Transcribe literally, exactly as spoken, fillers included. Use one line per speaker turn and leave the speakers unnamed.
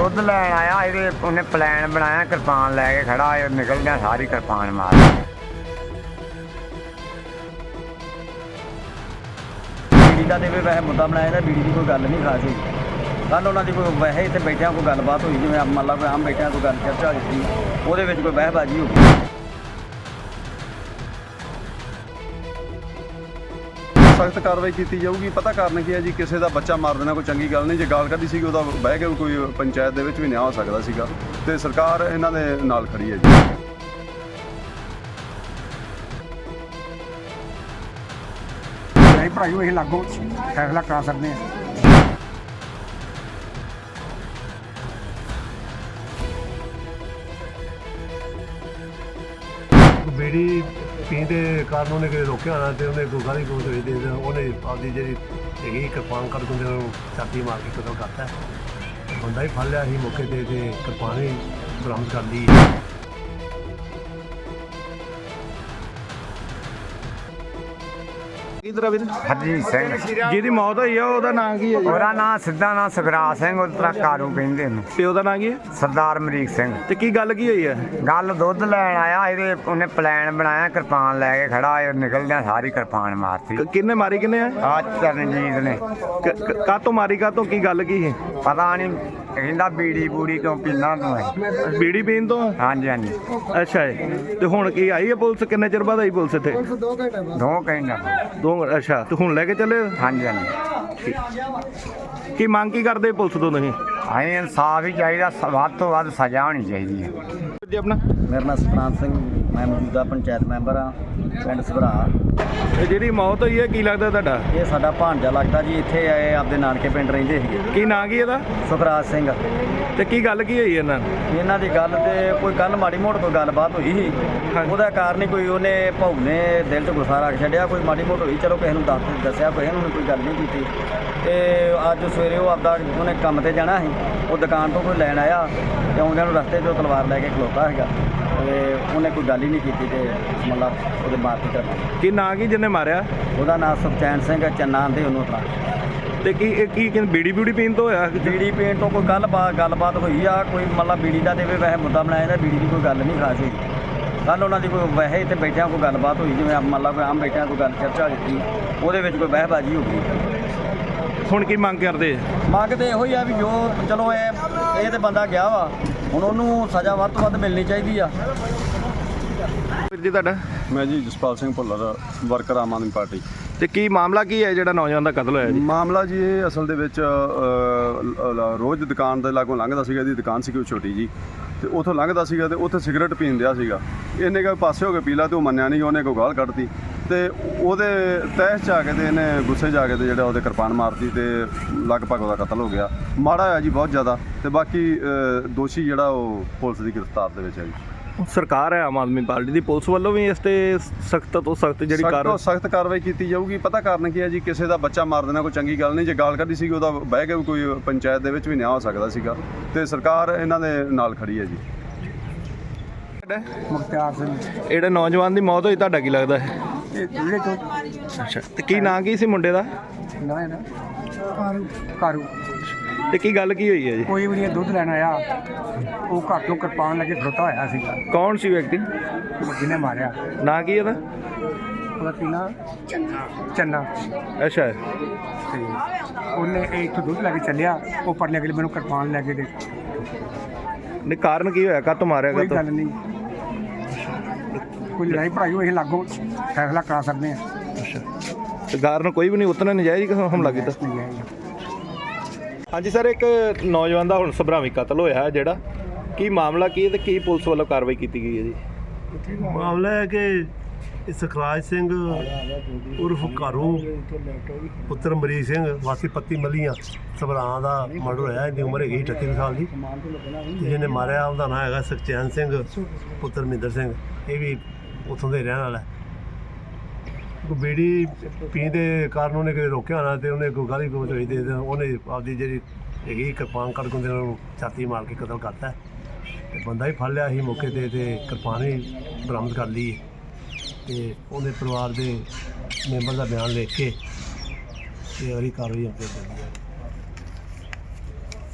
ਦੁੱਧ ਲੈਣ ਆਇਆ ਇਹਦੇ ਉਹਨੇ ਪਲਾਨ ਬਣਾਇਆ ਕਿਰਪਾਨ ਲੈ ਕੇ ਖੜਾ ਇਹ ਨਿਕਲਦਿਆਂ ਸਾਰੀ ਕਿਰਪਾਨ ਮਾਰ
ਬੀੜੀ ਦਾ ਤੇ ਵੀ ਵੈਸੇ ਮੁੱਦਾ ਬਣਾਇਆ ਤਾਂ ਬੀੜੀ ਦੀ ਕੋਈ ਗੱਲ ਨਹੀਂ ਖਾਸ ਹੋਈ ਕੱਲ੍ਹ ਉਹਨਾਂ ਦੀ ਕੋਈ ਵੈਸੇ ਇੱਥੇ ਬੈਠਿਆਂ ਕੋਈ ਗੱਲਬਾਤ ਹੋਈ ਜਿਵੇਂ ਮੰਨ ਲਾ ਕੋਈ ਆਮ ਬੈਠਿਆਂ ਕੋਈ ਗੱਲ ਚਰਚਾ ਹੋਈ ਸੀ ਉਹਦੇ ਵਿੱਚ ਕੋਈ ਬਹਿਬਾਜ਼ੀ ਹੋ ਗਈ।
ਸਖਤ ਕਾਰਵਾਈ ਕੀਤੀ ਜਾਊਗੀ। ਪਤਾ ਕਾਰਨ ਕੀ ਹੈ ਜੀ, ਕਿਸੇ ਦਾ ਬੱਚਾ ਮਾਰ ਦੇਣਾ ਕੋਈ ਚੰਗੀ ਗੱਲ ਨਹੀਂ। ਜੇ ਗਾਲ ਕੱਢੀ ਸੀਗੀ ਉਹਦਾ ਬਹਿ ਕੇ ਕੋਈ ਪੰਚਾਇਤ ਦੇ ਵਿੱਚ ਵੀ ਨਿਆਂ ਹੋ ਸਕਦਾ ਸੀਗਾ ਤੇ ਸਰਕਾਰ ਇਹਨਾਂ ਦੇ ਨਾਲ ਖੜੀ ਹੈ ਜੀ।
ਨਹੀਂ ਭਰਾਈ ਅਸੀਂ ਲਾਗੋਂ ਫੈਸਲਾ ਕਰਾ ਸਕਦੇ ਹਾਂ।
ਬੀੜੀ ਪੀਣ ਦੇ ਕਾਰਨ ਉਹਨੇ ਕਿਤੇ ਰੋਕਿਆ ਹੋਣਾ ਤੇ ਉਹਨੇ ਕੋਈ ਗਾਲੀ ਗਲੋਚ ਹੋਈ ਦੇ ਉਹਨੇ ਆਪਦੀ ਜਿਹੜੀ ਹੈਗੀ ਕਿਰਪਾਨ ਕੱਢ ਕੇ ਉਹਨੂੰ ਛਾਤੀ ਮਾਰ ਕੇ ਕਤਲ ਕਰਤਾ। ਬੰਦਾ ਹੀ ਫੜ ਲਿਆ ਸੀ ਮੌਕੇ 'ਤੇ ਤੇ ਕਿਰਪਾਨ ਵੀ ਬਰਾਮਦ ਕਰ ਲਈ।
ਕਿਧਰ ਵੀਰ
ਹਰਜੀਤ ਸਿੰਘ
ਜਿਹਦੀ ਮੌਤ ਹੋਈ ਆ ਉਹਦਾ ਨਾਂ ਕੀ ਹੈ ਜੀ?
ਉਹਦਾ ਨਾਂ ਸਿੱਧਾ ਨਾਂ ਸੁਖਰਾਜ ਸਿੰਘ ਉਤਰਾ ਕਾਰੂ ਕਹਿੰਦੇ ਨੇ।
ਪਿਓ ਦਾ ਨਾਂ ਕੀ ਹੈ?
ਸਰਦਾਰ ਅਮਰੀਕ ਸਿੰਘ।
ਤੇ ਕੀ ਗੱਲ ਕੀ ਹੋਈ ਹੈ?
ਗੱਲ ਦੁੱਧ ਲੈਣ ਆਇਆ ਇਹਦੇ ਉਹਨੇ ਪਲਾਨ ਬਣਾਇਆ ਕਿਰਪਾਨ ਲੈ ਕੇ ਖੜਾ ਇਹ ਨਿਕਲਦਿਆਂ ਸਾਰੀ ਕਿਰਪਾਨ ਮਾਰਤੀ।
ਕ- ਕਿਹਨੇ ਮਾਰੀ ਕਿਹਨੇ ਆ?
ਆ ਚਰਨਜੀਤ ਨੇ।
ਕਾਤੋਂ ਮਾਰੀ ਕਾਤੋਂ ਕੀ ਗੱਲ ਕੀ ਹੈ?
ਪਤਾ ਨਹੀਂ ਕਹਿੰਦਾ ਬੀੜੀ ਬੂੜੀ ਕਿਉਂ ਪੀਂਦਾ ਤੂੰ ਇਹ?
ਬੀੜੀ ਪੀਣ ਤੋਂ?
ਹਾਂਜੀ ਹਾਂਜੀ
ਅੱਛਾ ਜੀ। ਤੇ ਹੁਣ ਕੀ ਆਈ ਹੈ ਪੁਲਿਸ? ਕਿੰਨੇ ਚਿਰ ਬਾਅਦ ਆਈ ਪੁਲਿਸ ਇੱਥੇ?
ਦੋ ਕਹਿੰਦਾ
ਦੋ। ਅੱਛਾ ਤੇ ਹੁਣ ਲੈ ਕੇ ਚੱਲੇ?
ਹਾਂਜੀ ਹਾਂਜੀ।
ਕੀ ਮੰਗ ਕੀ ਕਰਦੇ ਪੁਲਿਸ ਤੋਂ ਤੁਸੀਂ?
ਅਸੀਂ ਇਨਸਾਫ ਹੀ ਚਾਹੀਦਾ, ਸ- ਵੱਧ ਤੋਂ ਵੱਧ ਸਜ਼ਾ ਹੋਣੀ ਚਾਹੀਦੀ ਹੈ।
ਜੀ ਆਪਣਾ
ਮੇਰਾ ਨਾਮ ਸਤਨਾਮ ਸਿੰਘ, ਮੈਂ ਮੌਜੂਦਾ ਪੰਚਾਇਤ ਮੈਂਬਰ ਹਾਂ ਪਿੰਡ ਸਭਰਾ।
ਇਹ ਜਿਹੜੀ ਮੌਤ ਹੋਈ ਹੈ ਕੀ ਲੱਗਦਾ ਤੁਹਾਡਾ?
ਇਹ ਸਾਡਾ ਭਾਣਜਾ ਲੱਗਦਾ ਜੀ, ਇੱਥੇ ਆਏ ਆਪਦੇ ਨਾਨਕੇ ਪਿੰਡ ਰਹਿੰਦੇ ਸੀਗੇ।
ਕੀ ਨਾਂ ਕੀ ਇਹਦਾ?
ਸੁਖਰਾਜ ਸਿੰਘ।
ਤੇ ਕੀ ਗੱਲ ਕੀ ਹੋਈ ਇਹਨਾਂ ਨੂੰ?
ਇਹਨਾਂ ਦੀ ਗੱਲ ਤੇ ਕੋਈ ਕੱਲ ਮਾੜੀ ਮੋਟ ਕੋਈ ਗੱਲਬਾਤ ਹੋਈ ਸੀ, ਉਹਦਾ ਕਾਰਨ ਹੀ ਕੋਈ ਉਹਨੇ ਭਾਊ ਨੇ ਦਿਲ 'ਚ ਗੁੱਸਾ ਰੱਖ ਛੱਡਿਆ। ਕੋਈ ਮਾੜੀ ਮੋਟ ਹੋਈ, ਚਲੋ ਕਿਸੇ ਨੂੰ ਦੱਸ ਦੱਸਿਆ, ਕਿਸੇ ਨੂੰ ਕੋਈ ਗੱਲ ਨਹੀਂ ਕੀਤੀ। ਤੇ ਅੱਜ ਸਵੇਰੇ ਉਹ ਆਪਦਾ ਉਹਨੇ ਕੰਮ ਤੇ ਜਾਣਾ ਸੀ, ਉਹ ਦੁਕਾਨ ਤੋਂ ਕੋਈ ਲੈਣ ਆਇਆ ਤੇ ਆਉਂਦਿਆਂ ਨੂੰ ਰਸਤੇ 'ਚੋਂ ਤਲਵਾਰ ਲੈ ਕੇ ਖਲੋਤਾ ਹੈਗਾ ਤੇ ਉਹਨੇ ਕੋਈ ਗੱਲ ਹੀ ਨਹੀਂ ਕੀਤੀ ਤੇ ਮਤਲਬ ਉਹਦੇ ਮਾਰਤੀ ਕਰ।
ਕੀ ਨਾਂ ਕੀ ਜਿਹਨੇ ਮਾਰਿਆ?
ਉਹਦਾ ਨਾਮ ਸੁਖਚੈਨ ਸਿੰਘ ਚੰਨਾ ਆਂਦੇ ਉਹਨੂੰ ਤਾਂ।
ਤੇ ਕੀ ਇਹ ਕੀ ਕਹਿੰਦੇ ਬੀੜੀ ਬੂੜੀ ਪੀਣ ਤੋਂ ਹੋਇਆ?
ਬੀੜੀ ਪੀਣ ਤੋਂ ਕੋਈ ਗੱਲਬਾਤ ਗੱਲਬਾਤ ਹੋਈ ਆ ਕੋਈ ਮਤਲਬ ਬੀੜੀ ਦਾ ਤੇ ਵੀ ਵੈਸੇ ਮੁੱਦਾ ਬਣਾਇਆ ਤਾਂ ਬੀੜੀ ਦੀ ਕੋਈ ਗੱਲ ਨਹੀਂ ਖਾਸ ਹੋਈ ਕੱਲ੍ਹ ਉਹਨਾਂ ਦੀ ਕੋਈ ਵੈਸੇ ਇੱਥੇ ਬੈਠਿਆਂ ਕੋਈ ਗੱਲਬਾਤ ਹੋਈ ਜਿਵੇਂ ਮੰਨ ਲਾ ਕੋਈ ਆਮ ਬੈਠਿਆਂ ਕੋਈ ਗੱਲ ਚਰਚਾ ਹੋਈ ਸੀ ਉਹਦੇ ਵਿੱਚ ਕੋਈ ਬਹਿਬਾਜ਼ੀ ਹੋ ਗਈ।
ਹੁਣ ਕੀ ਮੰਗ ਕਰਦੇ?
ਮੰਗ ਤੇ ਇਹੋ ਹੀ ਆ ਵੀ ਜੋ ਚਲੋ ਇਹ ਇਹ ਤੇ ਬੰਦਾ ਗਿਆ ਵਾ, ਹੁਣ ਉਹਨੂੰ ਸਜ਼ਾ ਵੱਧ ਤੋਂ ਵੱਧ ਮਿਲਣੀ ਚਾਹੀਦੀ ਆ।
ਵੀਰ ਜੀ ਤੁਹਾਡਾ?
ਮੈਂ ਜੀ ਜਸਪਾਲ ਸਿੰਘ ਭੁੱਲਰ, ਵਰਕਰ ਆਮ ਆਦਮੀ ਪਾਰਟੀ।
ਤੇ ਕੀ ਮਾਮਲਾ ਕੀ ਹੈ ਜਿਹੜਾ ਨੌਜਵਾਨ ਦਾ ਕਤਲ ਹੋਇਆ ਜੀ?
ਮਾਮਲਾ ਜੀ ਇਹ ਅਸਲ ਦੇ ਵਿੱਚ ਅ, ਲ- ਰੋਜ਼ ਦੁਕਾਨ ਦੇ ਲਾਗੋਂ ਲੰਘਦਾ ਸੀਗਾ। ਇਹਦੀ ਦੁਕਾਨ ਸੀ ਕੋਈ ਛੋਟੀ ਜੀ, ਤੇ ਉੱਥੋਂ ਲੰਘਦਾ ਸੀਗਾ ਤੇ ਉੱਥੇ ਸਿਗਰਟ ਪੀਣ ਦਿਆ ਸੀਗਾ। ਇਹਨੇ ਕਿਹਾ ਪਾਸੇ ਹੋ ਕੇ ਪੀ ਲਾ ਤੇ ਉਹ ਮੰਨਿਆ ਨਹੀਂ, ਉਹਨੇ ਕੋਈ ਗਾਲ ਕੱਢਤੀ ਤੇ ਉਹਦੇ ਤਹਿਸ 'ਚ ਆ ਕੇ ਤੇ ਇਹਨੇ ਗੁੱਸੇ 'ਚ ਆ ਕੇ ਤੇ ਜਿਹੜਾ ਉਹਦੇ ਕਿਰਪਾਨ ਮਾਰਤੀ ਤੇ ਲਗਭਗ ਉਹਦਾ ਕਤਲ ਹੋ ਗਿਆ। ਮਾੜਾ ਹੋਇਆ ਜੀ ਬਹੁਤ ਜ਼ਿਆਦਾ। ਤੇ ਬਾਕੀ ਅ, ਦੋਸ਼ੀ ਜਿਹੜਾ ਉਹ ਪੁਲਿਸ ਦੀ ਗ੍ਰਿਫਤਾਰ ਦੇ ਵਿੱਚ ਹੈ ਜੀ।
ਸਰਕਾਰ ਹੈ ਆਮ ਆਦਮੀ ਪਾਰਟੀ ਦੀ, ਪੁਲਿਸ ਵੱਲੋਂ ਵੀ ਇਸ ਤੇ ਸਖਤ ਤੋਂ ਸਖਤ ਜਿਹੜੀ
ਸਖਤ
ਕਾਰ
ਤੋਂ ਸਖਤ ਕਾਰਵਾਈ ਕੀਤੀ ਜਾਊਗੀ। ਪਤਾ ਕਾਰਨ ਕੀ ਹੈ ਜੀ, ਕਿਸੇ ਦਾ ਬੱਚਾ ਮਾਰ ਦੇਣਾ ਕੋਈ ਚੰਗੀ ਗੱਲ ਨਹੀਂ। ਜੇ ਗਾਲ ਕੱਢੀ ਸੀਗੀ ਉਹਦਾ ਬਹਿ ਕੇ ਕੋਈ ਪੰਚਾਇਤ ਦੇ ਵਿੱਚ ਵੀ ਨਿਆਂ ਹੋ ਸਕਦਾ ਸੀਗਾ ਤੇ ਸਰਕਾਰ ਇਹਨਾਂ ਦੇ ਨਾਲ ਖੜੀ ਹੈ ਜੀ।
ਮੁਖਤਿਆਰ ਸਿੰਘ।
ਜਿਹੜਾ ਨੌਜਵਾਨ ਦੀ ਮੌਤ ਹੋਈ ਤੁਹਾਡਾ ਕੀ ਲੱਗਦਾ ਹੈ?
ਇਹ ਜਿਹੜੇ ਤੋਂ
ਅੱਛਾ ਤੇ ਕੀ ਨਾਂ ਕੀ ਸੀ ਮੁੰਡੇ ਦਾ?
ਨਾ ਨਾ ਕਾਰੂ ਕਾਰੂ
ਤੇ ਕੀ ਗੱਲ ਕੀ ਹੋਈ ਹੈ ਜੀ?
ਕੋਈ ਵੀ ਨਹੀਂ ਦੁੱਧ ਲੈਣ ਆਇਆ, ਉਹ ਘਰ ਤੋਂ ਕਿਰਪਾਨ ਲੈ ਕੇ ਖਲੋਤਾ ਹੋਇਆ ਸੀਗਾ
ਕੌਣ ਸੀ ਵਿਅਕਤੀ?
ਜਿਹਨੇ ਮਾਰਿਆ।
ਨਾਂ ਕੀ ਇਹਦਾ?
ਉਹਦਾ ਕੀ ਨਾਂ? ਚੰਨਾ।
ਅੱਛਾ
ਤੇ ਉਹਨੇ ਇਹ ਇੱਥੋਂ ਦੁੱਧ ਲੈ ਕੇ ਚੱਲਿਆ, ਉਹ ਪਰਲੇ ਅਗਲੇ ਮੈਨੂੰ ਕਿਰਪਾਨ ਲੈ ਕੇ ਦੇ।
ਨਹੀਂ ਕਾਰਨ ਕੀ ਹੋਇਆ? ਕਾਹਤੋਂ ਮਾਰਿਆ?
ਕੋਈ
ਕਾਹਤੋਂ?
ਗੱਲ ਨਹੀਂ, ਕੋਈ ਲੜਾਈ ਭੜਾਈ ਹੋਈ ਅਸੀਂ ਲਾਗੋਂ ਫੈਸਲਾ ਕਰਾ ਸਕਦੇ ਹਾਂ।
ਅੱਛਾ ਤੇ ਕਾਰਨ ਕੋਈ ਵੀ ਨਹੀਂ, ਉਤਨਾ ਨਜਾਇਜ਼ ਹਮਲਾ ਕੀਤਾ?
ਨਹੀਂ ਹੈ ਜੀ।
ਹਾਂਜੀ ਸਰ, ਇੱਕ ਨੌਜਵਾਨ ਦਾ ਹੁਣ ਸਭਰਾਵੀ ਕਤਲ ਹੋਇਆ ਹੈ ਜਿਹੜਾ, ਕੀ ਮਾਮਲਾ ਕੀ ਹੈ ਤੇ ਕੀ ਪੁਲਿਸ ਵੱਲੋਂ ਕਾਰਵਾਈ ਕੀਤੀ ਗਈ ਹੈ ਜੀ?
ਮਾਮਲਾ ਹੈ ਕਿ ਇਹ ਸੁਖਰਾਜ ਸਿੰਘ ਉਰਫ ਘਾਰੂ ਪੁੱਤਰ ਅਮਰੀਕ ਸਿੰਘ ਵਾਸੀ ਪੱਤੀ ਮਲੀਆਂ ਸਭਰਾਂ ਦਾ ਮਰਡਰ ਹੋਇਆ। ਇਹਦੀ ਉਮਰ ਹੈਗੀ ਅਠੱਤੀ ਸਾਲ ਦੀ। ਤੇ ਜਿਹਨੇ ਮਾਰਿਆ ਉਹਦਾ ਨਾਂ ਹੈਗਾ ਸੁਖਚੈਨ ਸਿੰਘ ਪੁੱਤਰ ਮਹਿੰਦਰ ਸਿੰਘ। ਇਹ ਵੀ ਉੱਥੋਂ ਦੇ ਰਹਿਣ ਵਾਲਾ ਹੈ। ਕੋਈ ਬੀੜੀ ਪੀਣ ਦੇ ਕਾਰਨ ਉਹਨੇ ਕਿਤੇ ਰੋਕਿਆ ਹੋਣਾ ਤੇ ਉਹਨੇ ਕੋਈ ਗਾਲੀ ਗਲੋਚ ਹੋਈ ਦੇ ਉਹਨੇ ਆਪਦੀ ਜਿਹੜੀ ਹੈਗੀ ਕਿਰਪਾਨ ਕੱਢ ਕੇ ਉਹਨੂੰ ਛਾਤੀ ਮਾਰ ਕੇ ਕਤਲ ਕਰਤਾ। ਤੇ ਬੰਦਾ ਹੀ ਫੜ ਲਿਆ ਸੀ ਮੌਕੇ 'ਤੇ ਤੇ ਕਿਰਪਾਨ ਵੀ ਬਰਾਮਦ ਕਰ ਲਈ ਤੇ ਉਹਦੇ ਪਰਿਵਾਰ ਦੇ ਮੈਂਬਰ ਦਾ ਬਿਆਨ ਲਿਖ ਕੇ ਤੇ ਅਗਲੀ ਕਾਰਵਾਈ ਅੱਗੇ ਚੱਲੀ ਹੈ।